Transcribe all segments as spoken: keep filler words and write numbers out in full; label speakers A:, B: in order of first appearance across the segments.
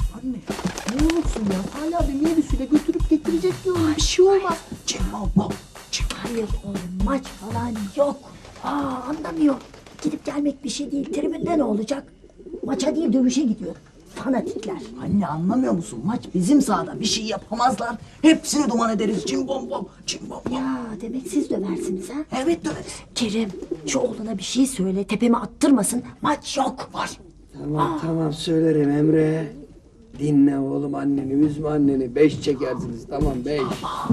A: Anne ne olursun ya. Salih abi minibüsüyle götürüp getirecek diyorum. Bir şey olmaz. Cimbom
B: Hayır oğlum, maç falan yok. Aa, anlamıyor. Gidip gelmek bir şey değil. Tribünde ne olacak? Maça değil dövüşe gidiyor. Fanatikler.
A: Anne anlamıyor musun? Maç bizim sahada. Bir şey yapamazlar. Hepsini duman ederiz. Cimbom bom. Cimbom bom.
B: Ya demek siz döversiniz ha?
A: Evet döveriz.
B: Kerim, şu oğluna bir şey söyle, tepeme attırmasın. Maç yok.
A: Var.
C: Tamam tamam söylerim Emre. Dinle oğlum anneni, üzme anneni. Beş çekersiniz tamam beş.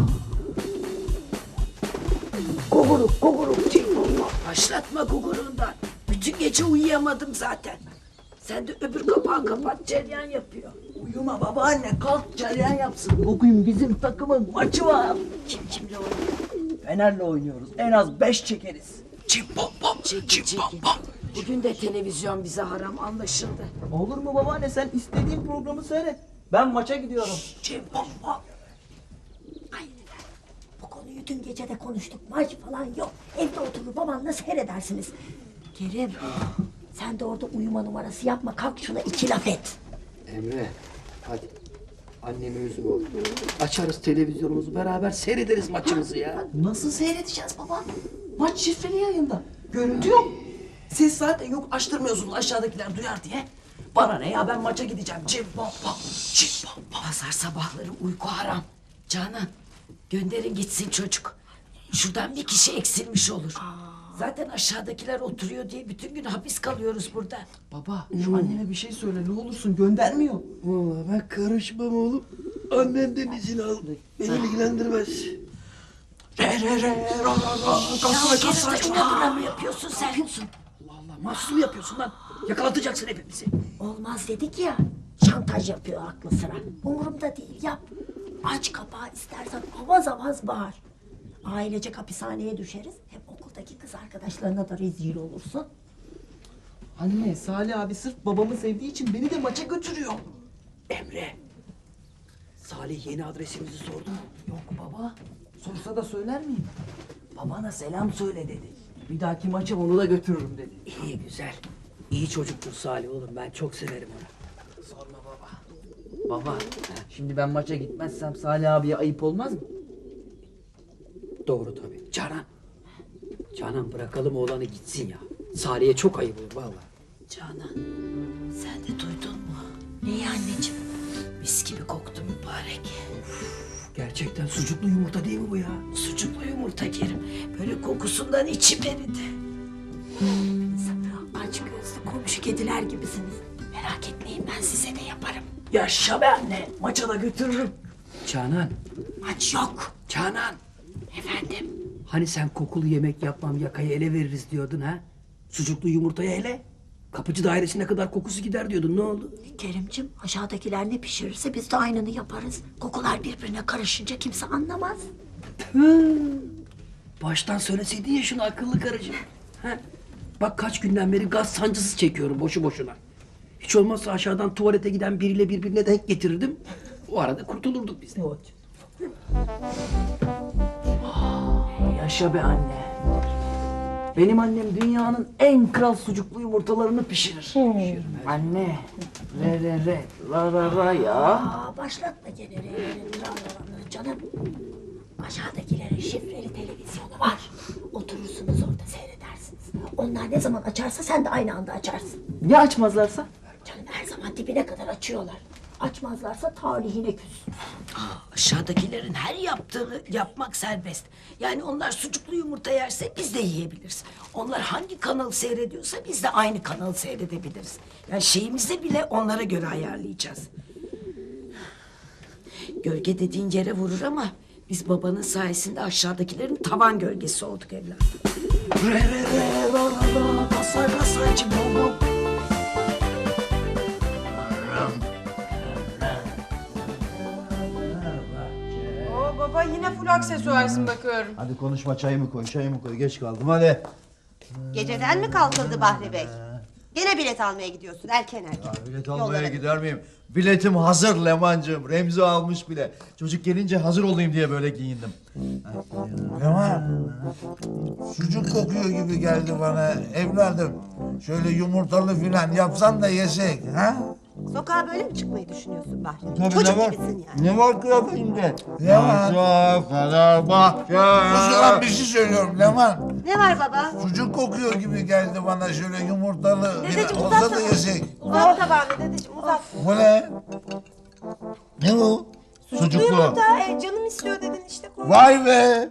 B: Guguruk, guguruk.
D: Başlatma gugurundan. Bütün gece uyuyamadım zaten. Sen de öbür kapağı kapat, ceryan yapıyor.
A: Uyuma babaanne. Kalk cereyan yapsın. Bugün bizim takımın maçı var.
D: Kim kimle oynuyor?
A: Fener'le oynuyoruz. En az beş çekeriz. Cimbom bom.
D: Çekin
A: Cimbom
D: çekin.
A: bom.
D: Bugün de televizyon bize haram anlaşıldı.
A: Olur mu babaanne? Sen istediğin programı seyret. Ben maça gidiyorum. Cimbom bom.
B: Hayır efendim, bu konuyu dün gece de konuştuk. Maç falan yok. Evde oturur babanla seyredersiniz. Kerim, sen de orada uyuma numarası yapma. Kalk şuna iki laf et.
C: Emre hadi. Anneni üzme oğlum. Açarız televizyonumuzu beraber seyrederiz maçımızı ya.
A: Nasıl seyredeceğiz baba? Maç şifreli yayında. Görüntü yok. Ses zaten yok. Açtırmıyorsunuz aşağıdakiler duyar diye. Bana ne ya, ben maça gideceğim. Cimbom bom. Cimbom bom.
D: Pazar sabahları uyku haram. Canan, gönderin gitsin çocuk. Şuradan bir kişi eksilmiş olur. Zaten aşağıdakiler oturuyor diye bütün gün hapis kalıyoruz burada.
A: Baba şu anneme bir şey söyle ne olursun, göndermiyor.
C: Vallahi ben karışmam oğlum. Annenden izin al. Beni ilgilendirmez.
A: Re re re ra ra ra. Kasay kasay.
D: Kerim, inadına mı yapıyorsun sen?
C: Allah Allah mahsus mu yapıyorsun lan? Yakalatacaksın hepimizi.
B: Olmaz dedik ya. Şantaj yapıyor aklı sıra. Umurumda değil, yap. Aç kapağı, istersen avaz avaz bağır. Ailecek hapishaneye düşeriz. Hem okuldaki kız arkadaşlarına da rezil olursun.
A: Anne Salih abi sırf babamı sevdiği için beni de maça götürüyor.
C: Emre. Salih yeni adresimizi sordu mu?
A: Yok baba. Sorsa da söyler miyim? Babana selam söyle dedi. Bir dahaki maça onu da götürürüm dedi.
C: İyi güzel. İyi çocuktur Salih oğlum ben çok severim onu.
A: Sorma baba. Baba, şimdi ben maça gitmezsem Salih abiye ayıp olmaz mı?
C: Doğru tabii. Canan. Canan bırakalım oğlanı gitsin ya. Salih'e çok ayıp olur vallahi.
D: Canan, sen de duydun mu?
B: Neyi anneciğim?
D: Mis gibi koktu mübarek.
C: Gerçekten sucuklu yumurta değil mi bu ya?
D: Sucuklu yumurta Kerim. Böyle kokusundan içim eridi.
B: Aç gözlü komşu kediler gibisiniz. Merak etmeyin, ben size de yaparım.
A: Yaşa be anne. Maça da götürürüm.
C: Canan.
B: Maç yok.
C: Canan.
B: Efendim?
C: Hani sen kokulu yemek yapmam yakayı ele veririz diyordun ha? Sucuklu yumurtaya ele. Kapıcı dairesine kadar kokusu gider diyordun ne oldu?
B: Kerimcim, aşağıdakiler ne pişirirse biz de aynını yaparız. Kokular birbirine karışınca kimse anlamaz.
C: Baştan söyleseydin ya şunu akıllı karıcığım. Ha? Bak kaç günden beri gaz sancısı çekiyorum boşu boşuna. Hiç olmazsa aşağıdan tuvalete giden biriyle birbirine denk getirirdim. O arada kurtulurduk biz de.
A: Yaşa be anne. Benim annem dünyanın en kral sucuklu yumurtalarını pişirir. Anne. Re re re. La la la ya.
B: Aa, başlatma gene reverin tralalalı canım. Aşağıdakilerin şifreli televizyonu var. Oturursunuz orada seyredersiniz. Onlar ne zaman açarsa sen de aynı anda açarsın.
A: Ya açmazlarsa?
B: Canım her zaman dibine kadar açıyorlar. Açmazlarsa tarihine küs.
D: Aa, aşağıdakilerin her yaptığını yapmak serbest. Yani onlar sucuklu yumurta yerse biz de yiyebiliriz. Onlar hangi kanalı seyrediyorsa biz de aynı kanalı seyredebiliriz. Yani şeyimizi bile onlara göre ayarlayacağız. Gölge dediğin yere vurur ama biz babanın sayesinde aşağıdakilerin tavan gölgesi olduk evladım.
A: Re re re. La la la. Kasay kasay. Cimbom bom.
E: Oo baba yine full aksesuarsın bakıyorum.
F: Hadi konuşma, çayımı koy, çayımı koy. Geç kaldım hadi.
G: Geceden mi kalkıldı Bahri Bey? Gene bilet almaya gidiyorsun erken erken.
F: Ya bilet almaya
G: Yollara-
F: gider miyim? Biletim hazır Leman'cığım. Remzi almış bile. Çocuk gelince hazır olayım diye böyle giyindim.
H: Leman, sucuk kokuyor gibi geldi bana evladım. Şöyle yumurtalı filan yapsan da yesek, ha?
G: Sokağa böyle mi çıkmayı düşünüyorsun Bahri?
H: Tabii,
G: Çocuk
H: ne var?
G: gibisin yani.
H: Ne var kıyafetinde? Leman.
F: Yaşa Fenerbahçe.
H: Sus ulan bir şey söylüyorum Leman.
G: Ne var baba?
H: Sucuk kokuyor gibi geldi bana şöyle yumurtalı. Bir
G: Dedeciğim
H: olsa
G: uzat
H: da
G: da.
H: yesek.
G: Uzat tabağını dedeciğim uzat.
H: Bu ne? Ne bu?
F: Sucuklu.
E: Yumurta e, canım istiyor dedin işte koy.
H: Vay be!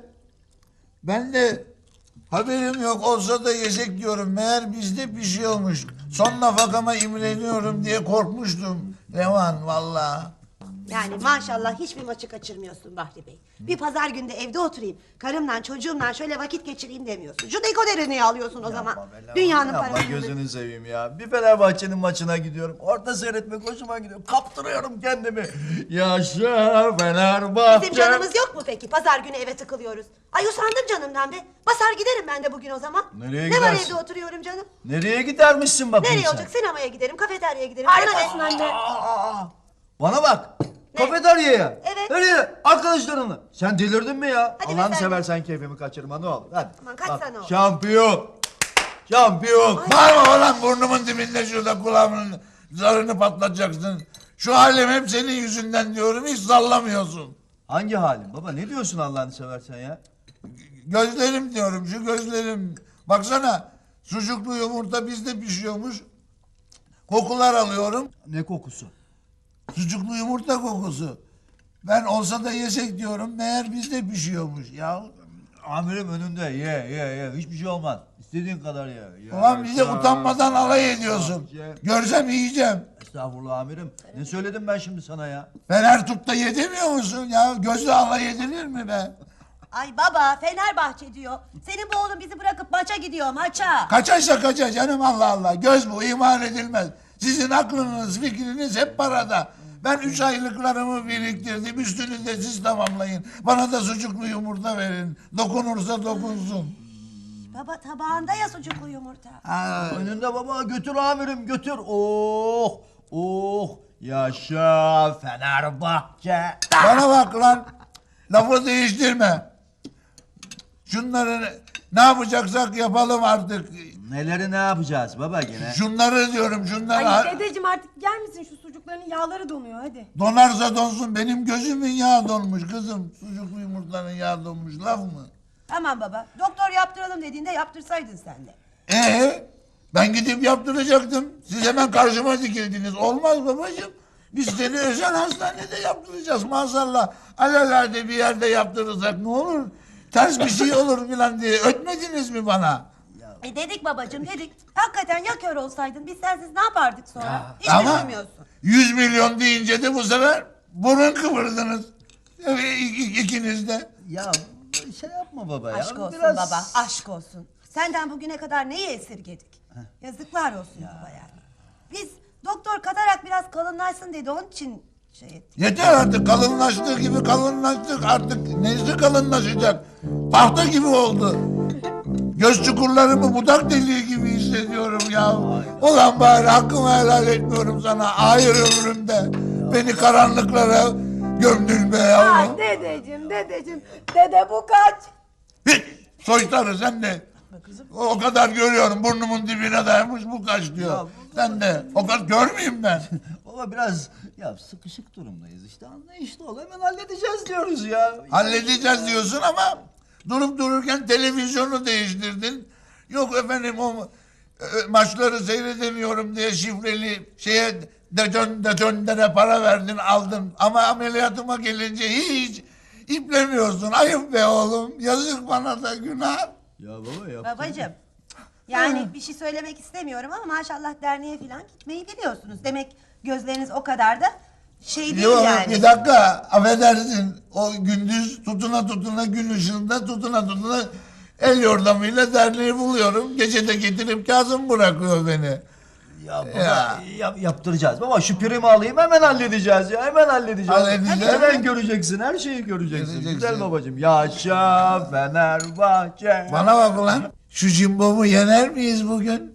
H: Ben de haberim yok olsa da yesek diyorum. Meğer bizde pişiyormuş. Son nafakama imreniyorum diye korkmuştum. Leman vallahi.
G: Yani maşallah hiçbir maçı kaçırmıyorsun Bahri Bey. Bir pazar günde evde oturayım, karımla çocuğumla şöyle vakit geçireyim demiyorsun. Şu dekoderi niye alıyorsun o zaman? Dünyanın
F: Yapma
G: parasını.
F: gözünü seveyim ya. Bir Fenerbahçe'nin maçına gidiyorum. Orada seyretmek hoşuma gidiyor. Kaptırıyorum kendimi. Yaşa Fenerbahçe.
G: Bizim canımız yok mu peki? Pazar günü eve tıkılıyoruz. Ay usandım canımdan be. Basar giderim ben de bugün o zaman.
F: Nereye
G: ne var
F: gidersin?
G: evde oturuyorum canım?
F: Nereye gidermişsin bakayım
G: Nereye
F: sen?
G: olacak? Sinemaya giderim, kafeteryaya giderim.
E: Harikasın
G: Bana ne?
E: anne.
F: Aa, bana bak. Kafeteryaya.
G: Evet.
F: Nereye? Arkadaşlarınla. Sen delirdin mi ya?
G: Hadi be
F: Allah'ını
G: sen de.
F: seversen keyfimi kaçırma ne olur. Hadi.
G: Aman kaç
F: Bak,
G: sene oldu?
F: Şampiyon. Şampiyon.
H: Bağırma lan burnumun dibinde şurada kulağımın zarını patlatacaksın. Şu halim hep senin yüzünden diyorum hiç sallamıyorsun.
F: Hangi halin baba? Ne diyorsun Allah'ını seversen ya?
H: Gözlerim diyorum şu gözlerim. Baksana sucuklu yumurta bizde pişiyormuş. Kokular alıyorum.
F: Ne kokusu?
H: Sucuklu yumurta kokusu. Ben olsa da yesek diyorum meğer bizde pişiyormuş ya.
F: Amirim önünde ye ye ye. Hiçbir şey olmaz. İstediğin kadar ye. ye.
H: Ulan bize utanmadan alay ediyorsun.
F: Ye.
H: Görsem yiyeceğim.
F: Estağfurullah amirim. Ne söyledim ben şimdi sana ya?
H: Fener tut da yedemiyor musun ya? Gözle alay edilir mi be?
G: Ay baba Fenerbahçe diyor. Senin bu oğlun bizi bırakıp maça gidiyor maça.
H: Kaçaysa kaça canım Allah Allah. Göz bu iman edilmez. Sizin aklınız fikriniz hep parada. Ben üç aylıklarımı biriktirdim. Üstünü de siz tamamlayın. Bana da sucuklu yumurta verin. Dokunursa dokunsun.
G: Baba tabağında ya sucuklu yumurta.
H: Ha,
F: Önünde baba götür amirim götür. Oh oh. Yaşa Fenerbahçe.
H: bana bak lan. Lafı değiştirme. Şunları ne yapacaksak yapalım artık.
F: Neleri ne yapacağız baba gene?
H: Şunları diyorum şunları.
E: Ay dedeciğim artık gel misin şu sucukların yağları donuyor hadi.
H: Donarsa donsun benim gözümün yağı donmuş kızım. Sucuklu yumurtanın yağı donmuş laf mı?
G: Tamam baba doktor yaptıralım dediğinde yaptırsaydın sen de.
H: Ee, ben gidip yaptıracaktım. Siz hemen karşıma dikildiniz. Olmaz babacığım. Biz seni özel hastanede yaptıracağız maazallah. Alelade bir yerde yaptırırsak ne olur? Ters bir şey olur filan diye ötmediniz mi bana?
G: E dedik babacığım dedik. Hakikaten ya kör olsaydın biz sensiz ne yapardık sonra? Hiç
H: Ama
G: düşünmüyorsun.
H: yüz milyon deyince de bu sefer burun kıvırdınız. Evet, ik- ikiniz de.
F: Ya şey yapma baba ya.
G: Aşk olsun
F: Biraz-
G: baba aşk olsun. Senden bugüne kadar neyi esirgedik? Yazıklar olsun baba yani. Biz doktor katarak biraz kalınlaşsın dedi onun için şey ettik.
H: Yeter artık kalınlaştığı gibi kalınlaştık artık neyse kalınlaşacak. Tahta gibi oldu. Göz çukurlarımı budak deliği gibi hissediyorum ya. Ulan bari hakkımı helal etmiyorum sana. Hayır ömrümde. Beni karanlıklara gömdün be yavrum.
E: Dedeciğim dedeciğim dede bu kaç?
H: Hiç soytarı sen de. O kadar görüyorum burnumun dibine dayanmış bu kaç diyor. Sen de o kadar görmeyeyim ben.
F: Baba biraz ya sıkışık durumdayız işte anlayışlı ol hemen halledeceğiz diyoruz ya.
H: Halledeceğiz diyorsun ama durup dururken televizyonu değiştirdin. Yok efendim o e, maçları seyredemiyorum diye şifreli şeye deton detonlere para verdin aldın. Ama ameliyatıma gelince hiç iplemiyorsun. Ayıp be oğlum. Yazık bana da günah.
F: Ya baba ya.
G: Babacığım yani bir şey söylemek istemiyorum ama maşallah derneğe falan gitmeyi biliyorsunuz. Demek gözleriniz o kadar da şey değil
H: Yok
G: yani.
H: bir dakika affedersin. O gündüz tutuna tutuna gün ışığında tutuna tutuna el yordamıyla derneği buluyorum. Gece de getirip Kazım bırakıyor beni.
F: Ya baba
H: Ya.
F: yap- yaptıracağız. Baba şu primi alayım hemen halledeceğiz ya. Hemen halledeceğiz.
H: Halledeceğiz.
F: Hemen göreceksin. Her şeyi göreceksin.
H: Göreceksin.
F: Güzel babacığım. Yaşa Fenerbahçe.
H: Bana bak ulan. Şu Cimbom'u yener miyiz bugün?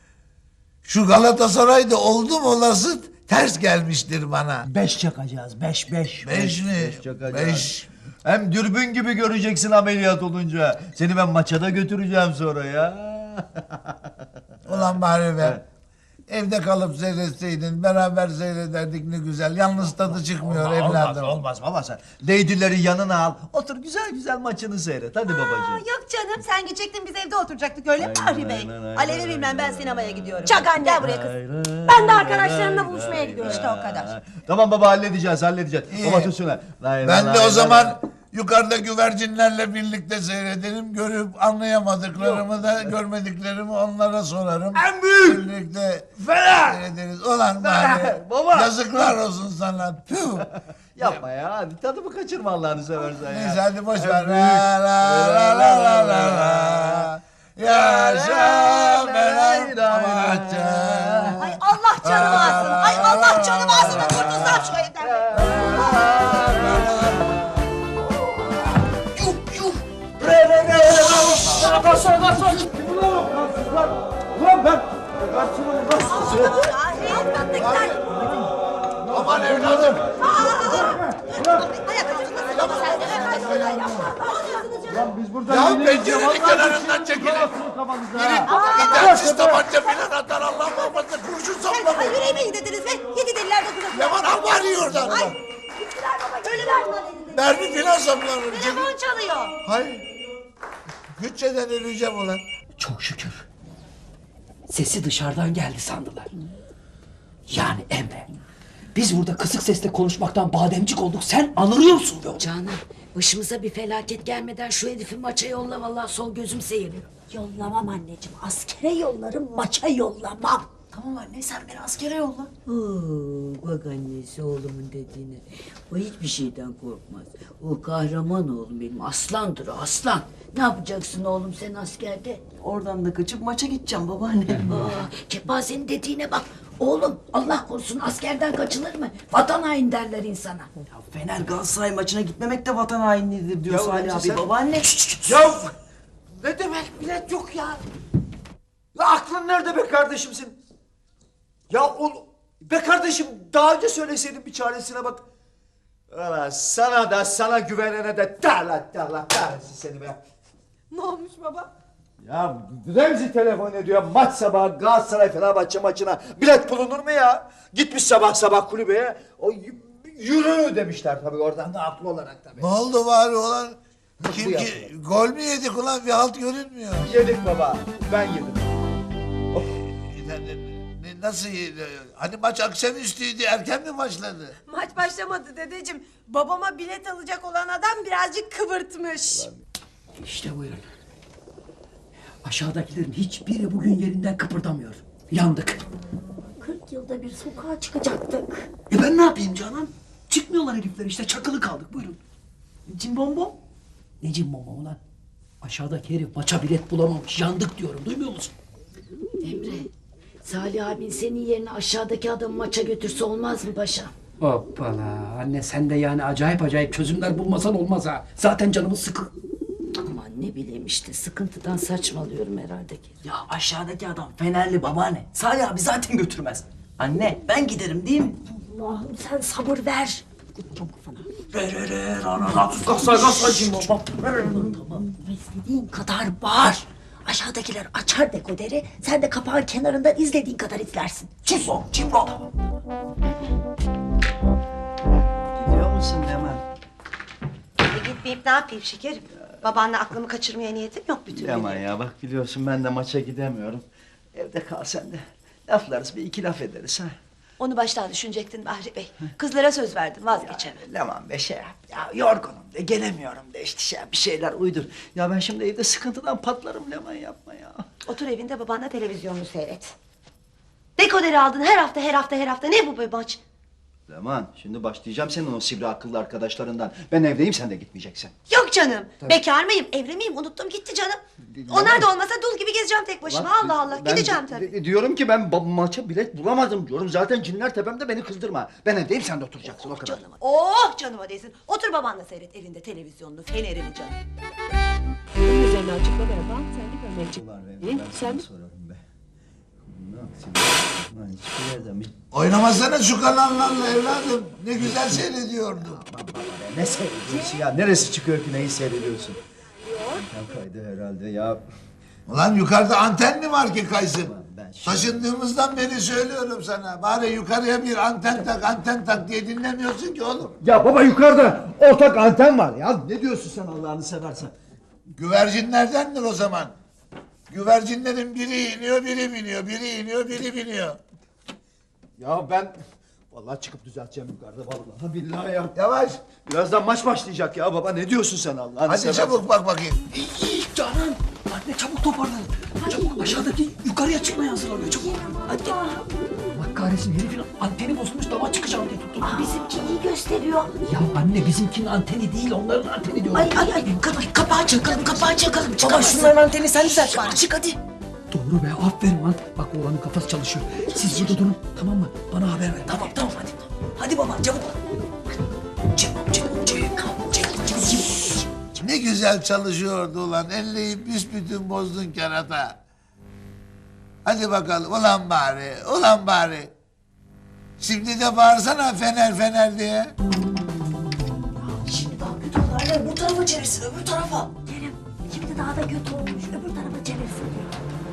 H: Şu Galatasaray'da oldum olası ters gelmiştir bana.
C: Beş çakacağız. Beş beş.
H: Beş mi?
F: Beş çakacağız.
H: Beş.
F: Hem dürbün gibi göreceksin ameliyat olunca. Seni ben maça da götüreceğim sonra ya.
H: Ulan bari be. Evde kalıp seyretseydin, beraber seyrederdik ne güzel. Yalnız tadı çıkmıyor
F: Olmaz,
H: evladım.
F: olmaz, olmaz baba sen. Leydileri yanına al. Otur güzel güzel maçını seyret. Hadi
G: Aa,
F: babacığım.
G: yok canım sen gidecektin biz evde oturacaktık öyle mi Bahri Bey?
F: aynen, aynen,
G: Alev'e bilmem ben
F: aynen,
G: sinemaya gidiyorum.
B: Çak anne.
G: Gel buraya kız.
B: Ben de arkadaşlarımla buluşmaya gidiyorum.
G: İşte o kadar.
F: Tamam baba halledeceğiz halledeceğiz.
H: İyi.
F: Baba tut şunu.
H: Ben de o zaman yukarıda güvercinlerle birlikte seyredelim. Görüp anlayamadıklarımı da görmediklerimi onlara sorarım.
F: En büyük
H: Birlikte
F: Fener!
H: seyrederiz. Ulan bari
F: Baba!
H: yazıklar olsun sana. Tüh.
F: Yapma ya hadi tadımı kaçırma Allah'ını seversen ya.
H: Neyse hadi boş
F: En
H: ver.
F: büyük.
H: La la la la la la la. Yaşa Fenerbahçe.
G: Ay Allah canımı alsın. Ay Allah canımı alsın. Kurtulsam şu evden.
H: Aman evladım.
G: Ayak altındasın baba sen de.
H: Ya pencerenin kenarından çekilin. Biri gidersiz tabanca filan atar Allah muhafaza kurşun saplamayın.
G: Ay yüreğime iyi dediniz be. Yedi deliler dokuz.
H: Leman al bari oradan.
G: Ay. Ölüler buna dediniz.
H: Mermi filan saplanır.
G: Telefon çalıyor.
H: Hayır. Bütçeden öleceğim ulan.
C: Çok şükür. Sesi dışarıdan geldi sandılar. Yani Emre. Biz burada kısık sesle konuşmaktan bademcik olduk. Sen anırıyorsun be oğlum.
D: Canan başımıza bir felaket gelmeden şu herifi maça yolla vallahi sol gözüm seyiriyor.
B: Yollamam anneciğim. Askere yollarım, maça yollamam.
A: Tamam anne sen beni askere yolla.
I: Oo, bak annesi oğlumun dediğine. O hiçbir şeyden korkmaz. O kahraman oğlum benim. Aslandır o aslan. Ne yapacaksın oğlum sen askerde?
A: Oradan da kaçıp maça gideceğim babaanne.
D: Aa, kepazenin dediğine bak. Oğlum Allah korusun askerden kaçılır mı? Vatan hain derler insana.
A: Ya Fener Galatasaray maçına gitmemek de vatan hainliğidir diyor
F: Ya
A: Salih
F: önce
A: abi.
F: sen-
A: Babaanne.
F: Ya ne demek bilet yok ya? Ya aklın nerede be kardeşimsin? Ya o be kardeşim daha önce söyleseydin bir çaresine bak. Valla sana da sana güvenene de derler derler kahretsin seni be.
E: Ne olmuş baba?
F: Ya Remzi telefon ediyor maç sabahı Galatasaray Fenerbahçe maçına bilet bulunur mu ya? Gitmiş sabah sabah kulübeye o y- yürü demişler tabii oradan da haklı olarak tabii.
H: Ne oldu bari ulan?
F: Bu
H: Kim
F: yaptı.
H: ki gol mü yedik ulan bir halt görünmüyor.
F: Yedik baba ben yedim.
H: Ne- ne- ne- Nasıl yedi? Hani maç akşamüstüydü erken mi başladı?
E: Maç başlamadı dedeciğim. Babama bilet alacak olan adam birazcık kıvırtmış.
C: İşte buyurun. Aşağıdakilerin hiçbiri bugün yerinden kıpırdamıyor. Yandık.
B: kırk yılda bir sokağa çıkacaktık.
C: E ben ne yapayım Canan? Çıkmıyorlar herifler işte çakılı kaldık buyurun.
A: Cimbom bom.
C: Ne cimbom ulan? Aşağıdaki herif maça bilet bulamamış. Yandık diyorum duymuyor musun?
D: Emre Salih abin senin yerine aşağıdaki adamı maça götürse olmaz mı paşa?
C: Hoppala. Anne sen de yani acayip acayip çözümler bulmasan olmaz ha. Zaten canımız sıkı.
D: Aman ne bileyim işte sıkıntıdan saçmalıyorum herhalde ki.
A: Ya aşağıdaki adam Fenerli babaanne. Salih abi zaten götürmez. Anne ben giderim değil mi?
B: Allah'ım sen sabır ver. Çabuk sana.
A: Re re re ra ra ra. Galatasaray Galatasaray cimbom bom.
B: Tamam. İstediğin kadar bağır. Aşağıdakiler açar dekoderi. Sen de kapağın kenarından izlediğin kadar izlersin.
A: Cimbom cimbom. Gidiyor musun Leman?
G: E gitmeyip ne yapayım şekerim? Babanla aklımı kaçırmaya niyetim yok bir türlü.
F: Yaman ya bak biliyorsun ben de maça gidemiyorum. Evde kal sen de. Laflarız bir iki laf ederiz ha.
G: Onu baştan düşünecektin Bahri Bey. Kızlara söz verdim vazgeçemem.
F: Leman be şey yap. Ya yorgunum de gelemiyorum de işte şey yap, bir şeyler uydur. Ya ben şimdi evde sıkıntıdan patlarım Leman yapma ya.
G: Otur evinde babanla televizyonunu seyret. Dekoderi aldın her hafta her hafta her hafta ne bu be maç?
F: Leman şimdi başlayacağım senin o sivri akıllı arkadaşlarından. Ben evdeyim sen de gitmeyeceksin.
G: Yok canım. Bekar mıyım? Evli miyim? Unuttum gitti canım. Onlar da olmasa dul gibi gezeceğim tek başıma.
F: Bak,
G: Allah Allah.
F: ben
G: Gideceğim
F: di-
G: tabii.
F: di- Diyorum ki ben ba- maça bilet bulamadım diyorum. Zaten cinler tepemde beni kızdırma. Ben evdeyim sen de oturacaksın o kadar.
G: Canıma. Oh canıma değsin. Otur babanla seyret evinde televizyonunu, fenerini canım.
J: Bunun üzerine açıklama yapan sen de görmek için.
F: Ulan
J: İyi,
F: ben, ben
J: sen
F: sana
J: de-
F: sorarım be. Ne yapayım? Lan hiçbir yerden bir...
H: Oynamasana şu kanallarla evladım. Ne güzel seyrediyordum.
F: Ne seyrediyorsun ya? Neresi çıkıyor ki neyi seyrediyorsun? Anten kaydı herhalde ya.
H: Ulan yukarıda anten mi var ki kaysın? Taşındığımızdan beri söylüyorum sana. Bari yukarıya bir anten tak, anten tak diye dinlemiyorsun ki oğlum.
F: Ya baba yukarıda ortak anten var ya. Ne diyorsun sen Allah'ını seversen?
H: Güvercinlerdendir o zaman. Güvercinlerin biri iniyor, biri biniyor, biri iniyor, biri biniyor.
F: Ya ben vallahi çıkıp düzelteceğim yukarıda vallahi billahi ya.
H: Yavaş.
F: Birazdan maç başlayacak ya baba. Ne diyorsun sen Allah'ını
H: Hadi
F: seversen?
H: çabuk bak bakayım.
C: Canan, anne çabuk toparlanın. Çabuk aşağıdaki yukarıya çıkmaya hazırlanıyor çabuk. Hadi. Bak kahretsin herifin anteni bozulmuş dama çıkacağım diye tuttum.
B: Bizimki iyi gösteriyor.
C: Ya anne bizimkinin anteni değil onların anteni diyorum.
D: Ay ay ay kapa- kapağı çakalım kapağı çakalım.
A: Baba
D: Çıkamazsın.
A: şunların anteni sen düzelt bari.
D: Çık hadi.
C: Doğru be aferin lan. Bak oğlanın kafası çalışıyor. Siz burada durun tamam mı? Bana haber ver.
A: Tamam tamam hadi. Hadi baba çabuk. Çabuk çabuk çabuk. Çabuk çabuk çabuk.
H: Ne güzel çalışıyordu ulan. Elleyi büsbütün bozdun kerata. Hadi bakalım ulan bari, ulan bari. Şimdi de bağırsana fener fener diye.
A: Şimdi daha kötü oldu anne. Bu tarafa çevirsin öbür tarafa.
B: Kerem şimdi daha da kötü olmuş. Öbür tarafa çevirsin diyor.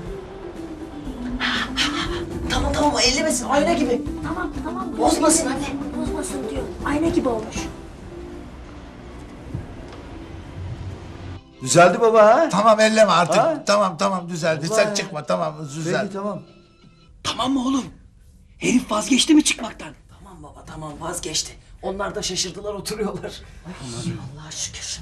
A: Tamam tamam ellemesin ayna gibi.
B: Tamam tamam.
A: Bozmasın anne.
B: Bozmasın diyor. Ayna gibi olmuş.
F: Düzeldi baba ha?
H: Tamam elleme artık.
F: Ha?
H: Tamam tamam düzeldi.
F: Vallahi.
H: Sen çıkma tamam düzeldi.
F: Peki tamam.
C: Tamam mı oğlum? Herif vazgeçti mi çıkmaktan?
A: Tamam baba tamam vazgeçti. Onlar da şaşırdılar oturuyorlar. Ay, Allah'a şükür.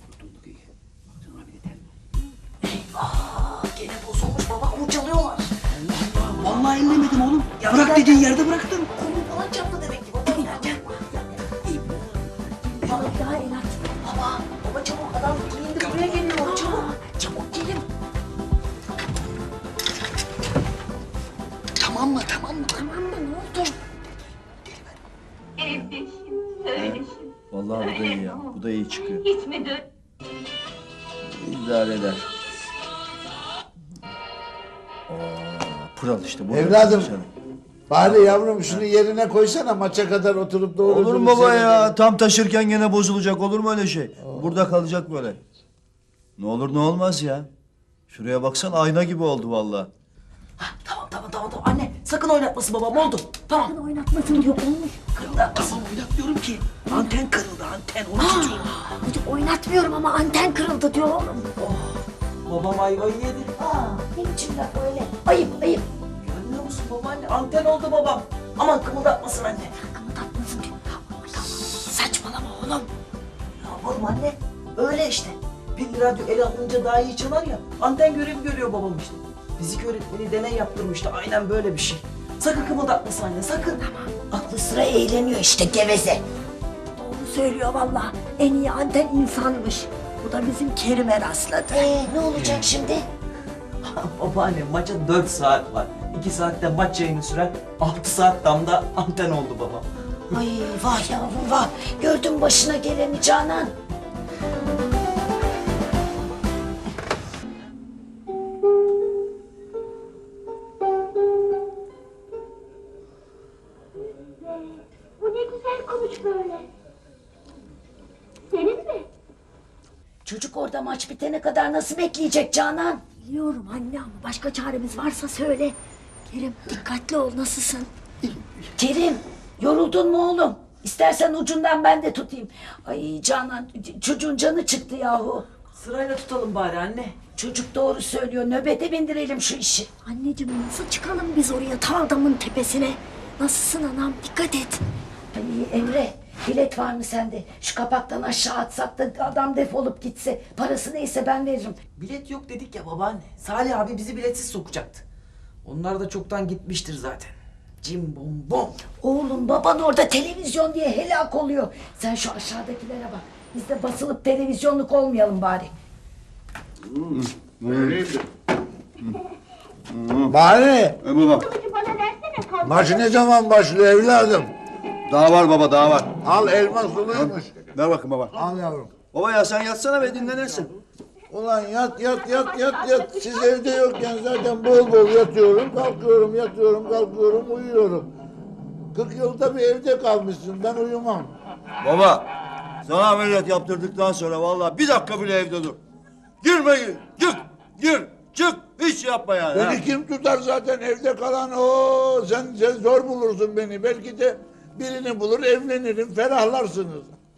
A: Eyvah gene bozulmuş baba kurcalıyorlar.
C: Vallahi ellemedim oğlum. Bırak dediğin yerde bıraktım.
A: Kolum falan çarptı demek ki baba. Gel.
B: Baba bir daha el at.
A: Baba, baba çabuk adam giyindi buraya geliyor çabuk. Çabuk gelin.
C: Tamam mı tamam mı?
B: Tamam mı ne oldu?
K: Evdeşim, söyleşim.
F: Vallahi bu da iyi ya. Bu da iyi çıkıyor.
K: Hiç mi dön?
F: İdare eder. Aa, pıral işte bu.
H: Evladım. Bari yavrum şunu yerine koysana maça kadar oturup doğru
L: Olur mu
H: dürüst
L: baba ya?
H: seyredelim.
L: Tam taşırken gene bozulacak. Olur mu öyle şey? Burada kalacak böyle. Ne olur ne olmaz ya. Şuraya baksana ayna gibi oldu vallahi.
A: Tamam tamam tamam tamam anne sakın oynatmasın babam oldu. Tamam.
B: Sakın oynatmasın diyor olmuş.
C: Tamam oynatmıyorum ki. Anten kırıldı anten onu tutuyorum.
B: Çocuk oynatmıyorum ama anten kırıldı diyor oğlum.
A: Babam ayvayı yedi.
B: Aa, ne biçim laf öyle? Ayıp ayıp.
A: Görmüyor musun babaanne anten oldu babam. Aman kımıldatmasın anne.
B: Kımıldatmasın diyor.
A: Saçmalama oğlum. Ne yapalım anne? Öyle işte. Pilli radyo ele alınca daha iyi çalar ya. Anten görevi görüyor babam işte. Fizik öğretmeni deney yaptırmıştı. Aynen böyle bir şey. Sakın kımıldatmasın anne sakın.
B: Aklı sıra eğleniyor işte geveze. Doğru söylüyor vallahi. En iyi anten insanmış. Bu da bizim Kerim'e rastladı.
D: Ee, ne olacak şimdi?
A: Babaanne maça dört saat var. iki saatte maç yayını sürer. altı saat damda anten oldu babam.
D: Ay vah yavrum vah. Gördün başına geleni Canan.
K: Bu ne güzel konuş böyle. Senin mi?
D: Çocuk orada maç bitene kadar nasıl bekleyecek Canan?
B: Biliyorum anne ama başka çaremiz varsa söyle. Kerim dikkatli ol nasılsın?
D: Kerim yoruldun mu oğlum? İstersen ucundan ben de tutayım. Ay Canan ç- çocuğun canı çıktı yahu.
A: Sırayla tutalım bari anne.
D: Çocuk doğru söylüyor. Nöbete bindirelim şu işi.
B: Anneciğim nasıl çıkalım biz oraya ta adamın tepesine? Nasılsın anam dikkat et.
D: Ay Emre bilet var mı sende? Şu kapaktan aşağı atsak da adam defolup gitse. Parası neyse ben veririm.
A: Bilet yok dedik ya babaanne. Salih abi bizi biletsiz sokacaktı. Onlar da çoktan gitmiştir zaten. Cim bom bom.
D: Oğlum baban orada televizyon diye helak oluyor. Sen şu aşağıdakilere bak. Biz de basılıp televizyonluk olmayalım bari.
H: Bari
L: E baba.
K: Kılıcı bana versene kalk.
H: maç ne zaman başlıyor evladım?
L: Daha var baba daha var.
H: Al elma suluymuş.
L: Ver bakın baba.
H: Al yavrum.
L: Baba ya sen yatsana ve dinlenirsin.
H: Ulan yat yat yat yat yat. Siz evde yokken zaten bol bol yatıyorum, kalkıyorum, yatıyorum, kalkıyorum, uyuyorum. Kırk yılda bir evde kalmışsın, ben uyumam.
L: Baba sana ameliyat yaptırdıktan sonra vallahi bir dakika bile evde dur. Girme gir. Gir. Gir. Çık. Hiç yapma yani. ha.
H: Beni kim tutar zaten evde kalan o. Sen, sen zor bulursun beni. Belki de birini bulur evlenirim ferahlarsınız.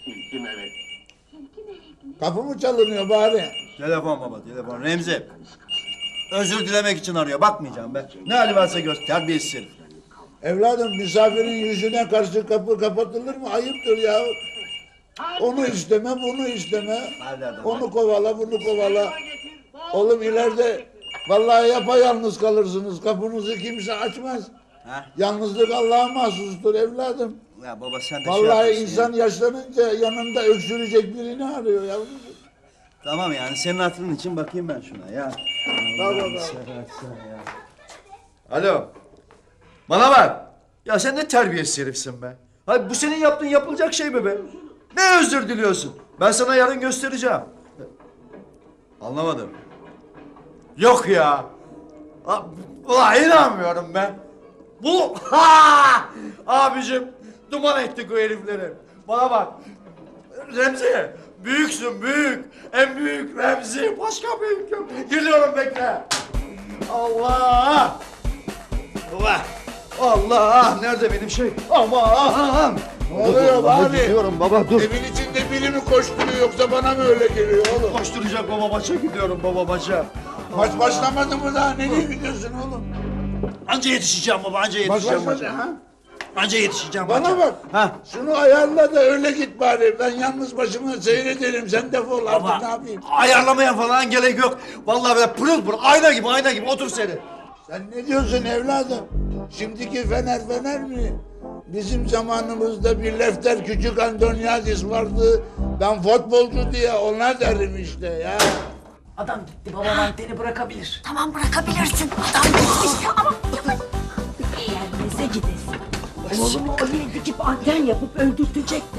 H: Kapı mı çalınıyor bari?
L: Telefon baba telefon. Remzi. Özür dilemek için arıyor. Bakmayacağım ben. Ne hali varsa gör. Terbiyesiz herif.
H: Evladım misafirin yüzüne karşı kapı kapatılır mı? Ayıptır ya. Onu isteme, bunu isteme. Onu kovala, bunu kovala. Oğlum ileride vallahi yapayalnız kalırsınız. Kapınızı kimse açmaz.
L: Ha?
H: Yalnızlık Allah'a mahsustur evladım.
L: Ya baba sen de şey
H: Vallahi
L: yapıyorsun
H: insan
L: ya.
H: yaşlanınca yanında öksürecek birini arıyor yavrum.
L: Tamam yani senin hatırın için bakayım ben şuna ya.
H: Baba
L: Allah'ını
H: baba.
L: seversen ya. Alo. Bana bak. Ya sen ne terbiyesiz herifsin be. Hayır bu senin yaptığın yapılacak şey mi be? Ne özür diliyorsun? Ben sana yarın göstereceğim. Anlamadım. Yok ya. Ha, ulan inanmıyorum ben. Bu ha! Abicim duman ettik o herifleri. Bana bak. Remzi büyüksün büyük. En büyük Remzi. Başka büyük yok. Geliyorum bekle. Allah. Allah. Allah. Nerede benim şey? Aman.
H: Ne oluyor bari?
L: Gidiyorum baba dur.
H: Evin içinde biri mi koşturuyor yoksa bana mı öyle geliyor oğlum?
L: Koşturacak baba maça gidiyorum baba maça.
H: Maç başlamadı mı daha? Nereye gidiyorsun oğlum?
L: Anca yetişeceğim baba anca
H: Maç
L: yetişeceğim
H: başladı
L: maça.
H: ha?
L: Anca yetişeceğim
H: Bana
L: maça.
H: bak.
L: Ha.
H: Şunu ayarla da öyle git bari. Ben yalnız başıma seyrederim. Sen defol artık
L: Baba
H: ne yapayım?
L: ayarlamaya falan gerek yok. Vallahi böyle pırıl pırıl ayna gibi ayna gibi otur seni.
H: Sen ne diyorsun evladım? Şimdiki Fener Fener mi? Bizim zamanımızda bir Lefter Küçük Antoniadis vardı. Ben futbolcu diye onlar derim işte ya.
D: Adam gitti, babam anteni bırakabilir.
B: Tamam bırakabilirsin. Adam gitmiş ama yavaş. Gelmese gidesin. Oğlumu oraya dikip anten yapıp öldürtecekti.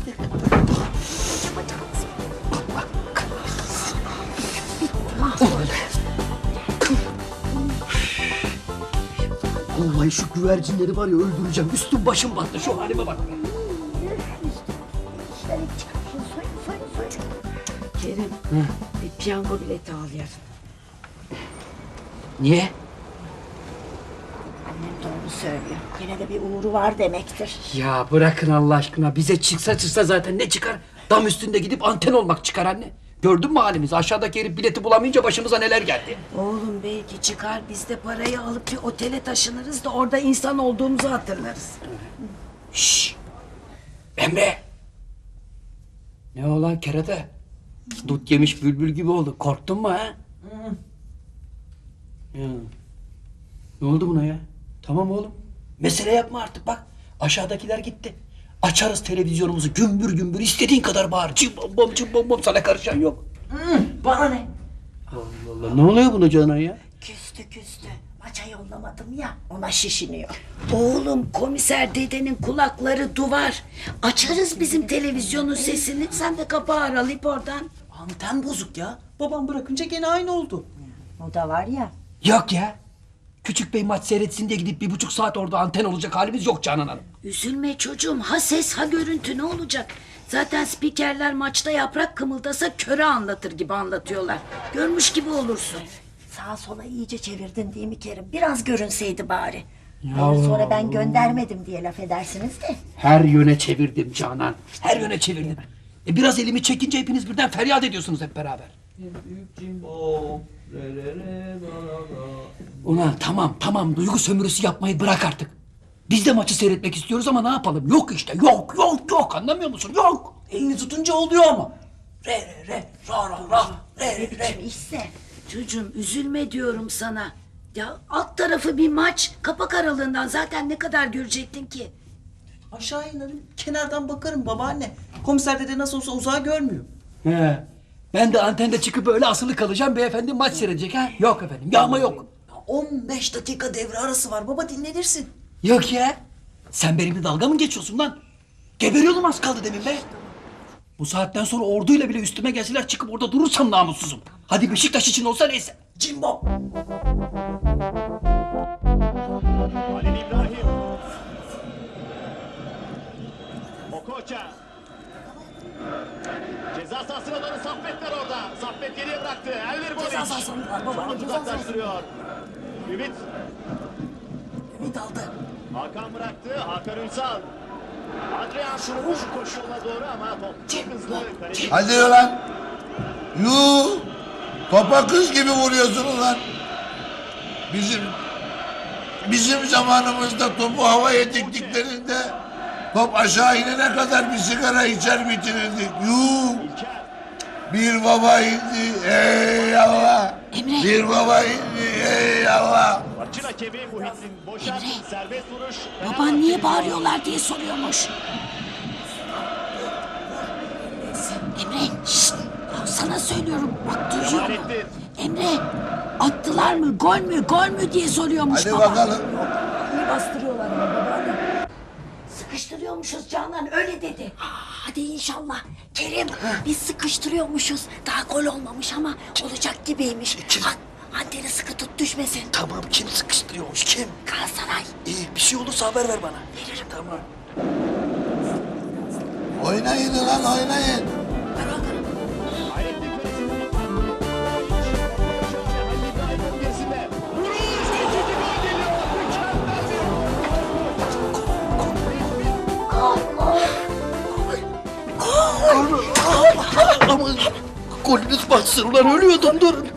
C: Vallahi şu güvercinleri var ya öldüreceğim. Üstüm başım battı. Şu halime bak.
I: Kerim, bir piyango bileti al yarın.
C: Niye?
B: Annem doğru söylüyor. Yine de bir uğru var demektir.
C: Ya bırakın Allah aşkına. Bize çıksa çıksa zaten ne çıkar? Dam üstünde gidip anten olmak çıkar anne. Gördün mü halimizi? Aşağıdaki herif bileti bulamayınca başımıza neler geldi.
D: Oğlum belki çıkar biz de parayı alıp bir otele taşınırız da orada insan olduğumuzu hatırlarız.
C: Şşş! Emre! Ne olan kerata? Dut yemiş bülbül gibi oldu. Korktun mu ha? Ya. Ne oldu buna ya? Tamam oğlum. Mesele yapma artık bak. Aşağıdakiler gitti. Açarız televizyonumuzu gümbür gümbür istediğin kadar bağır. Cimbom bom cimbom bom sana karışan yok.
D: Bana ne?
C: Allah Allah ne oluyor buna Canan ya?
B: Küstü küstü. Maça yollamadım ya ona şişiniyor.
D: Oğlum komiser dedenin kulakları duvar. Açarız bizim televizyonun sesini. Sen de kapağı aralayıp oradan.
A: Anten bozuk ya. Babam bırakınca gene aynı oldu.
B: O da var ya.
C: Yok ya. Küçük bey maç seyretsin diye gidip bir buçuk saat orada anten olacak halimiz yok Canan Hanım.
D: Üzülme çocuğum. Ha ses ha görüntü ne olacak? Zaten spikerler maçta yaprak kımıldasa köre anlatır gibi anlatıyorlar. Görmüş gibi olursun.
B: Sağa sola iyice çevirdin değil mi Kerim? Biraz görünseydi bari.
C: Ya.
B: Hayır, sonra ben göndermedim diye laf edersiniz de.
C: Her yöne çevirdim Canan. Her yöne çevirdim. E biraz elimi çekince hepiniz birden feryat ediyorsunuz hep beraber. Ulan tamam tamam duygu sömürüsü yapmayı bırak artık. Biz de maçı seyretmek istiyoruz ama ne yapalım? Yok işte yok yok yok anlamıyor musun? Yok.
A: Elini tutunca oluyor ama. Re re re ra ra ra re re re.
B: İşte.
D: Çocuğum üzülme diyorum sana. Ya alt tarafı bir maç. Kapak aralığından zaten ne kadar görecektin ki?
A: Aşağı inerim kenardan bakarım babaanne. Komiser dede nasıl olsa uzağı görmüyor.
C: He. Ben de antende çıkıp böyle asılı kalacağım. Beyefendi maç seyredecek ha? Yok efendim. Yağma yok.
A: on beş dakika devre arası var baba dinlenirsin.
C: Yok ya. Sen benimle dalga mı geçiyorsun lan? Geberiyordum az kaldı demin be. Bu saatten sonra orduyla bile üstüme gelseler çıkıp orada durursam namussuzum. Hadi Beşiktaş için olsa neyse.
A: Cimbo.
M: Halil İbrahim. Okocha. Ceza sahasına doğru Saffet var orada. Saffet geriye bıraktı. Elvir Boliç.
B: Ceza sahasında var baba,
M: Şut
B: ceza sahasında.
M: uzaklaştırıyor. Ümit.
B: Ümit aldı.
M: Hakan bıraktı. Hakan Ünsal. Adrian Şuruş koşuyorlar doğru ama top çok hızlı. Kaleci-
H: Hadi lan. Yuu. Topa kız gibi vuruyorsun ulan. Bizim bizim zamanımızda topu havaya diktiklerinde top aşağı inene kadar bir sigara içer bitirirdik. Yuu. Bir baba indi ey Allah.
D: Emre.
H: Bir baba indi ey Allah.
M: Maçın hakemi Muhittin Boşan. Serbest vuruş.
D: Baban niye bağırıyorlar diye soruyormuş. Emre, şşt, sana söylüyorum. Bak duyuyor mu? Emre, attılar mı, gol mü, gol mü diye soruyormuş
H: Hadi
D: baba.
H: bakalım.
B: İyi bastırıyorlar ama babaanne.
D: Sıkıştırıyormuşuz Canan, öyle dedi.
B: Hadi inşallah. Kerim biz sıkıştırıyormuşuz. Daha gol olmamış ama olacak gibiymiş. Ha, anteni sıkı tut düşmesin.
C: Tamam, kim sıkıştırıyormuş, kim?
B: Galatasaray.
C: İyi, bir şey olursa haber ver bana. Veririm. Tamam.
H: Oynayın lan oynayın.
M: Hayrettin Kalesi'nin Halil İbrahim'in gerisinde. Vuruş! İkinci gol geliyor. Mükemmel bir
C: Ama golünüz batsın ulan, ölüyordum, durun.